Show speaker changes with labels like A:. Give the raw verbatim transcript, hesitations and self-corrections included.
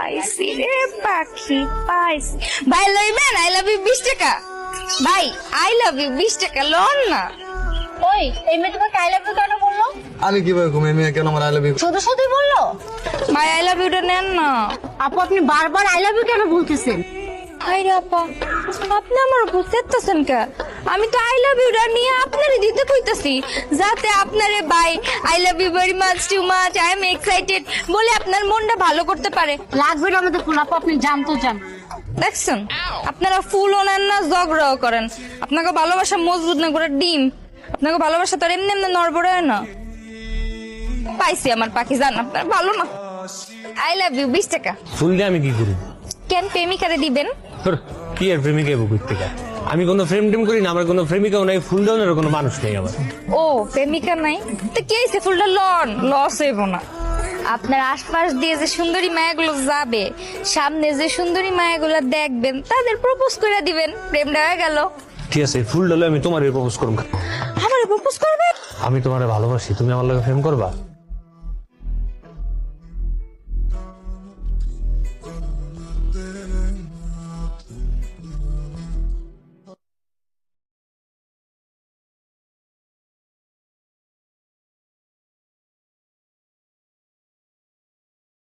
A: পাইছি রে পাখি পাইছি। ভাই লইবেন আই লাভ ইউ বিশ টাকা। ভাই আই লাভ ইউ বিশ টাকা লোন না।
B: ওই এই মেয়ে তোমাকে আই লাভ ইউ কেন বললো?
C: আমি কিভাবে ঘুমিয়ে মেয়ে কেন আমার আই লাভ ইউ?
B: শুধু শুধু বললো?
A: ভাই আই লাভ ইউটা নেন না।
B: আপু আপনি বারবার আই লাভ ইউ কেন বলতেছেন?
A: হাই রে আপা, আপনি আমার বুঝতেছেন কে? আমি তো আই লাভ ইউটা নিয়ে আপনারই দিতে কইতাছি, যাতে আপনারে bye I love you very much too much I am excited বলে আপনার মনটা ভালো করতে পারে।
B: লাগবে না আমাদের ফুল, আপু আপনি জানতো যান।
A: দেখছেন, আপনারা ফুলও নেন না, ঝগড়াও করেন। আপনাকে ভালোবাসা মজবুত না করে ডিম, আপনাকে ভালোবাসা তো আর এমনি এমনি নড়বড়ে হয় না। পাইছি আমার পাখি, জান আপনার ভালো না। আই লাভ ইউ বিশ টাকা।
D: ফুল দিয়ে আমি কি করি?
A: কেন প্রেমিকারে দিবেন?
D: তোর কি আর প্রেমিকা এবো থেকে? আমি কোনো ফ্রেম টেম করি না, আমার কোনো প্রেমিকাও নাই, ফুল দেওয়ার কোনো মানুষ নেই আমার।
A: ও প্রেমিকা নাই তো কি হয়েছে, ফুলটা লন, লস হইব না। আপনার আশপাশ দিয়ে যে সুন্দরী মায়াগুলো যাবে, সামনে যে সুন্দরী মায়াগুলো দেখবেন, তাদের প্রপোজ করে দিবেন, প্রেমটা হয়ে গেল।
D: ঠিক আছে, ফুল ডালে আমি তোমার প্রপোজ করবো।
A: আমার প্রপোজ করবেন?
D: আমি তোমারে ভালোবাসি, তুমি আমার লগে প্রেম করবা?